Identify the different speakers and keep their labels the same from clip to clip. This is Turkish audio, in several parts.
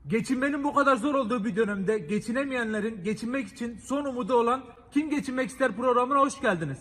Speaker 1: Geçinmenin bu kadar zor olduğu bir dönemde geçinemeyenlerin geçinmek için son umudu olan Kim Geçinmek İster programına hoş geldiniz.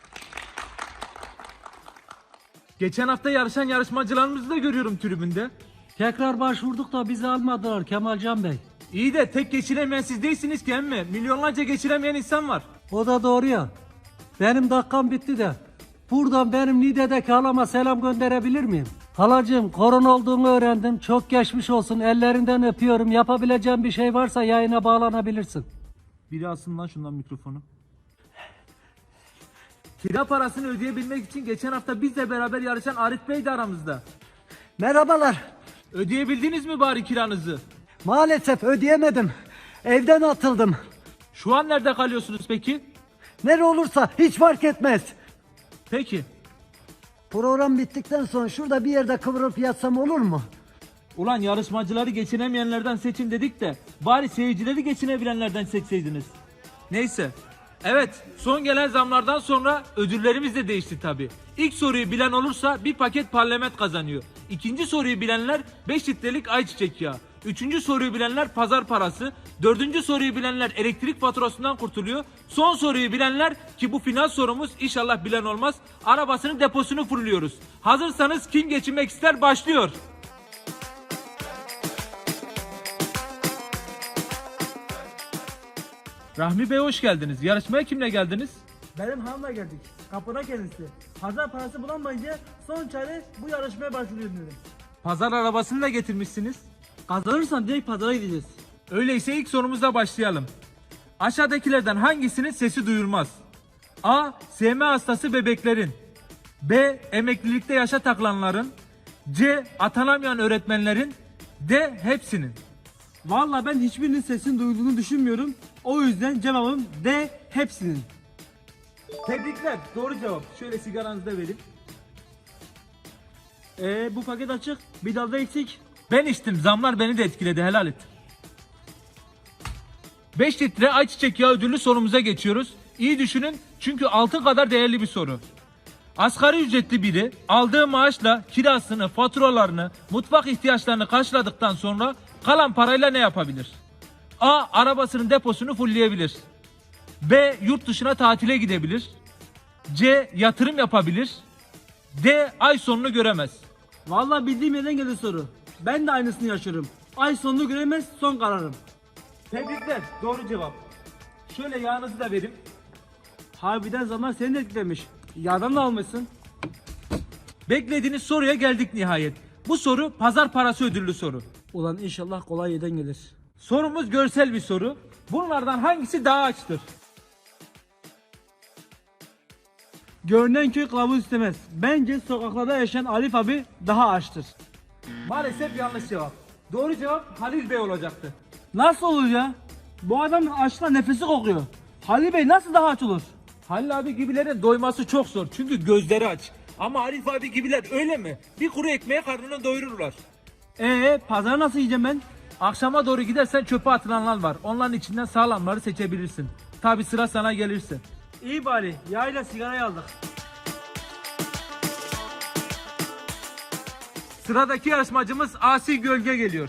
Speaker 1: Geçen hafta yarışan yarışmacılarımızı da görüyorum tribünde.
Speaker 2: Tekrar başvurduk da bizi almadılar Kemalcan Bey.
Speaker 1: İyi de tek geçinemeyen siz değilsiniz ki emmi. Milyonlarca geçinemeyen insan var.
Speaker 2: O da doğru ya. Benim dakikam bitti de. Buradan benim Niğde'deki halama selam gönderebilir miyim? Halacığım, korona olduğunu öğrendim. Çok geçmiş olsun. Ellerinden öpüyorum. Yapabileceğim bir şey varsa yayına bağlanabilirsin.
Speaker 1: Biri alsın lan şundan mikrofonu. Kira parasını ödeyebilmek için geçen hafta bizle beraber yarışan Arif Bey de aramızda.
Speaker 2: Merhabalar.
Speaker 1: Ödeyebildiniz mi bari kiranızı?
Speaker 2: Maalesef ödeyemedim. Evden atıldım.
Speaker 1: Şu an nerede kalıyorsunuz peki?
Speaker 2: Nere olursa hiç fark etmez.
Speaker 1: Peki.
Speaker 2: Program bittikten sonra şurada bir yerde kıvırıp yatsam olur mu?
Speaker 1: Ulan yarışmacıları geçinemeyenlerden seçin dedik de bari seyircileri geçinebilenlerden seçseydiniz. Neyse. Evet, son gelen zamlardan sonra ödüllerimiz de değişti tabi. İlk soruyu bilen olursa bir paket parlament kazanıyor. İkinci soruyu bilenler 5 litrelik ayçiçek yağı. Üçüncü soruyu bilenler pazar parası. Dördüncü soruyu bilenler elektrik faturasından kurtuluyor. Son soruyu bilenler, ki bu final sorumuz, inşallah bilen olmaz, arabasının deposunu fırlıyoruz. Hazırsanız Kim Geçinmek İster başlıyor. Rahmi Bey hoş geldiniz. Yarışmaya kimle geldiniz?
Speaker 3: Benim hanımla geldik. Kapına kendisi. Pazar parası bulamayınca son çare bu yarışmaya başvuruyorum dedim.
Speaker 1: Pazar arabasını da getirmişsiniz.
Speaker 3: Kazanırsan direkt pazara gideceğiz.
Speaker 1: Öyleyse ilk sorumuzla başlayalım. Aşağıdakilerden hangisinin sesi duyulmaz? A. SM hastası bebeklerin. B. Emeklilikte yaşa takılanların. C. Atanamayan öğretmenlerin. D. Hepsinin.
Speaker 3: Vallahi ben hiçbirinin sesini duyulduğunu düşünmüyorum. O yüzden cevabım D, hepsinin.
Speaker 1: Tebrikler. Doğru cevap. Şöyle sigaranızı da verin.
Speaker 3: Bu paket açık. Bir dalda eksik.
Speaker 1: Ben içtim. Zamlar beni de etkiledi. Helal et. 5 litre ayçiçek yağı ödüllü sorumuza geçiyoruz. İyi düşünün çünkü altın kadar değerli bir soru. Asgari ücretli biri aldığı maaşla kirasını, faturalarını, mutfak ihtiyaçlarını karşıladıktan sonra kalan parayla ne yapabilir? A. Arabasının deposunu fullleyebilir. B. Yurt dışına tatile gidebilir. C. Yatırım yapabilir. D. Ay sonunu göremez.
Speaker 3: Vallahi bildiğim yerden geldi soru. Ben de aynısını yaşıyorum. Ay sonunu göremez, son kararım.
Speaker 1: Tebrikler. Doğru cevap. Şöyle yağınızı da verin.
Speaker 3: Harbiden zaman seni de etkilemiş. Yardan da almışsın.
Speaker 1: Beklediğiniz soruya geldik nihayet. Bu soru pazar parası ödüllü soru.
Speaker 3: Ulan inşallah kolay yerden gelir.
Speaker 1: Sorumuz görsel bir soru. Bunlardan hangisi daha açtır?
Speaker 3: Görünen köy kılavuz istemez. Bence sokaklarda yaşayan Arif abi daha açtır.
Speaker 1: Maalesef yanlış cevap. Doğru cevap Halil Bey olacaktı.
Speaker 3: Nasıl olur ya? Bu adamın açlıkla nefesi kokuyor. Halil Bey nasıl daha aç olur?
Speaker 1: Halil abi gibilerin doyması çok zor çünkü gözleri aç. Ama Arif abi gibiler öyle mi? Bir kuru ekmeğe karnını doyururlar.
Speaker 3: Pazara nasıl yiyeceğim ben?
Speaker 1: Akşama doğru gidersen çöpe atılanlar var. Onların içinden sağlamları seçebilirsin. Tabi sıra sana gelirse.
Speaker 3: İyi bari yağıyla sigarayı aldık.
Speaker 1: Sıradaki yarışmacımız Asi Gölge geliyor.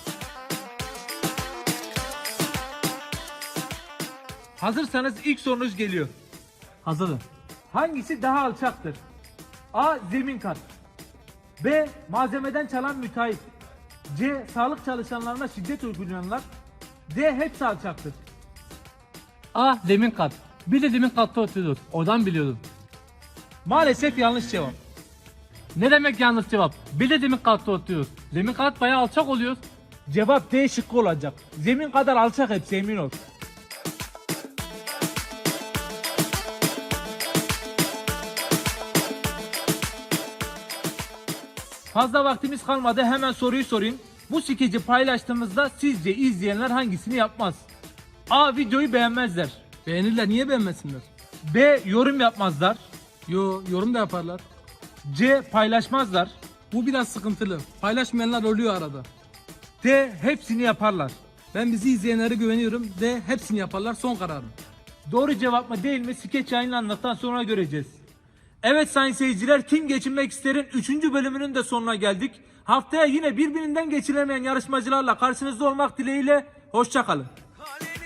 Speaker 1: Hazırsanız ilk sorunuz geliyor.
Speaker 3: Hazırım.
Speaker 1: Hangisi daha alçaktır? A. Zemin kat. B. Malzemeden çalan müteahhit. C. Sağlık çalışanlarına şiddet uygulayanlar. D. Hepsi alçaktır.
Speaker 2: A. Zemin kat. Bir de zemin katta oturuyor. Oradan biliyordum.
Speaker 1: Maalesef yanlış cevap.
Speaker 2: Ne demek yanlış cevap? Bir de zemin katta oturuyor. Zemin kat bayağı alçak oluyor.
Speaker 1: Cevap D şıkkı olacak. Zemin kadar alçak hepsi, emin ol. Fazla vaktimiz kalmadı, hemen soruyu sorayım. Bu skeci paylaştığımızda sizce izleyenler hangisini yapmaz? A. Videoyu beğenmezler.
Speaker 2: Beğenirler, niye beğenmesinler?
Speaker 1: B. Yorum yapmazlar.
Speaker 2: Yorum da yaparlar.
Speaker 1: C. Paylaşmazlar.
Speaker 2: Bu biraz sıkıntılı. Paylaşmayanlar oluyor arada.
Speaker 1: D. Hepsini yaparlar.
Speaker 2: Ben bizi izleyenlere güveniyorum. De hepsini yaparlar, son kararım.
Speaker 1: Doğru cevap mı değil mi skeç yayınlandıktan sonra göreceğiz. Evet sayın seyirciler, Kim Geçinmek İster'in 3. bölümünün de sonuna geldik. Haftaya yine birbirinden geçilemeyen yarışmacılarla karşınızda olmak dileğiyle. Hoşça kalın.
Speaker 4: Hale